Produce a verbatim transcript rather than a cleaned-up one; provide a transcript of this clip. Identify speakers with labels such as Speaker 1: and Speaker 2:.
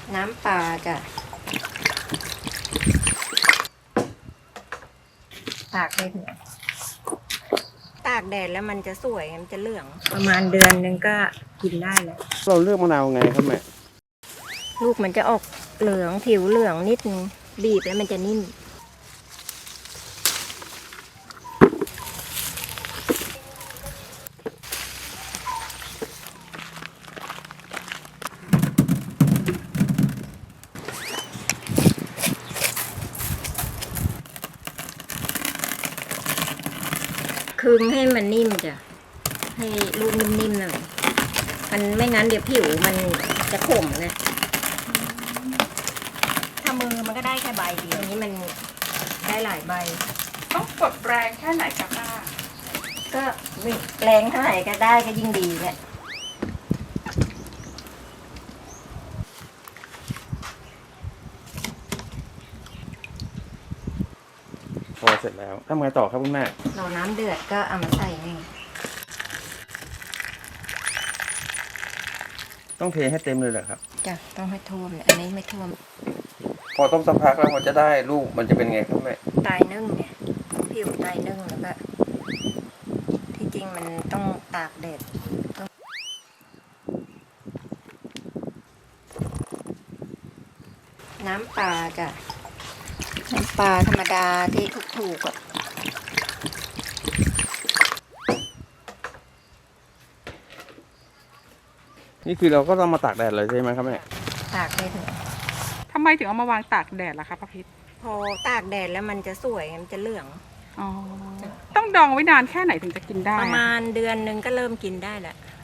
Speaker 1: น้ำปลาจ้ะตากได้ถึงตากแดดแล้วมันจะสวยมันจะเหลืองประมาณเดือนนึงก็กินได้แล้ว
Speaker 2: เราเลือกมะนาวไงครับแม่
Speaker 1: ลูกมันจะออกเหลืองผิวเหลืองนิดนึงบีบแล้วมันจะนิ่มคึงให้มันนิ่มจ้ะให้ลูกนิ่มๆหน่อยมันไม่งั้นเดี๋ยวผิวมันจะขมนะถ้ามือมันก็ได้แค่ใบเดียวอันนี้มันได้หลายใบ
Speaker 3: ต้องกดแรงแค่ไหนกับป้า
Speaker 1: ก็แรงเท่าไหร่ก็ได้ก็ยิ่งดีแหละ
Speaker 2: พอเสร็จแล้วทำไงต่อครับคุณแม่
Speaker 1: รอน้ำเดือดก็เอามาใส่นี่
Speaker 2: ต้องเทให้เต็มเลยเหรอครับ
Speaker 1: จ้ะต้องให้ท่วมเนี่ยอันนี้ไม่ท่วม
Speaker 2: พอต้มสักพักแล้วมันจะได้ลูกมันจะเป็นไงครับแม่
Speaker 1: ไตนึ่งเนี่ยผิวไตนึ่งแล้วก็ที่จริงมันต้องตากแดดต้องน้ำปลาจ้ะน้ำปลาธรรมดาที่ถูกๆอ่ะ
Speaker 2: นี่คือเราก็ต้องมาตากแดดเลยใช่ไหมครับแม่
Speaker 1: ตากได้ถึง
Speaker 3: ทำไมถึงเอามาวางตากแดดล่ะคะป้าพิษ
Speaker 1: พอตากแดดแล้วมันจะสวยมันจะเหลือง
Speaker 3: อ๋อ ต้องดองไว้นานแค่ไหนถึงจะกินได้
Speaker 1: ประ
Speaker 3: อะ
Speaker 1: มาณเดือนนึงก็เริ่มกินได้แหละ